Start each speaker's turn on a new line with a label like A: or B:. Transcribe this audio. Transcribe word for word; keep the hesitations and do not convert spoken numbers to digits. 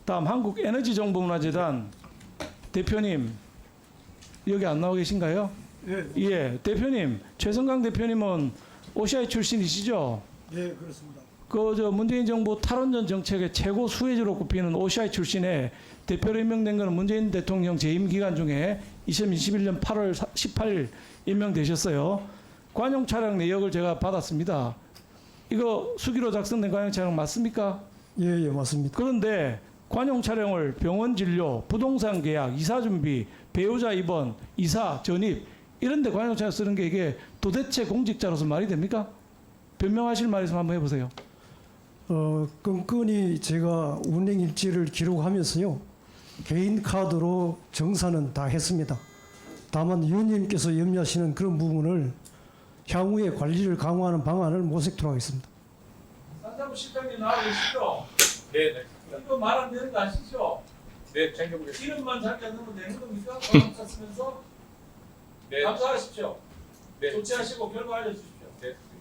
A: 다음 한국에너지정보문화재단 대표님 여기 안 나와 계신가요?
B: 예,
A: 예, 대표님 최성강 대표님은 오시아이 출신이시죠?
B: 예, 그렇습니다.
A: 그 저 문재인 정부 탈원전 정책의 최고 수혜주로 꼽히는 오시아이 출신의 대표로 임명된 것은 문재인 대통령 재임 기간 중에 이천이십일 년 팔월 십팔일 임명되셨어요. 관용 차량 내역을 제가 받았습니다. 이거 수기로 작성된 관용 차량 맞습니까?
B: 예, 예, 맞습니다.
A: 그런데 관용 차량을 병원 진료, 부동산 계약, 이사 준비, 배우자 입원, 이사 전입 이런 데 관용 차량 쓰는 게 이게 도대체 공직자로서 말이 됩니까? 변명하실 말 있으면 한번 해보세요.
B: 어, 끈끈이 제가 운행 일지를 기록하면서요. 개인 카드로 정산은 다 했습니다. 다만 위원님께서 염려하시는 그런 부분을 향후에 관리를 강화하는 방안을 모색토록 하겠습니다.
A: 산자부 실장님 나와 계시죠?
C: 네, 네.
A: 이거 말 안 되는 거 아시죠?
C: 네, 챙겨보겠습니다.
A: 이름만 자기가 넣으면 되는 겁니까? 관용차 쓰면서
C: 네,
A: 감사하십시오.
C: 네,
A: 조치하시고 결과 알려주십시오.
C: 네.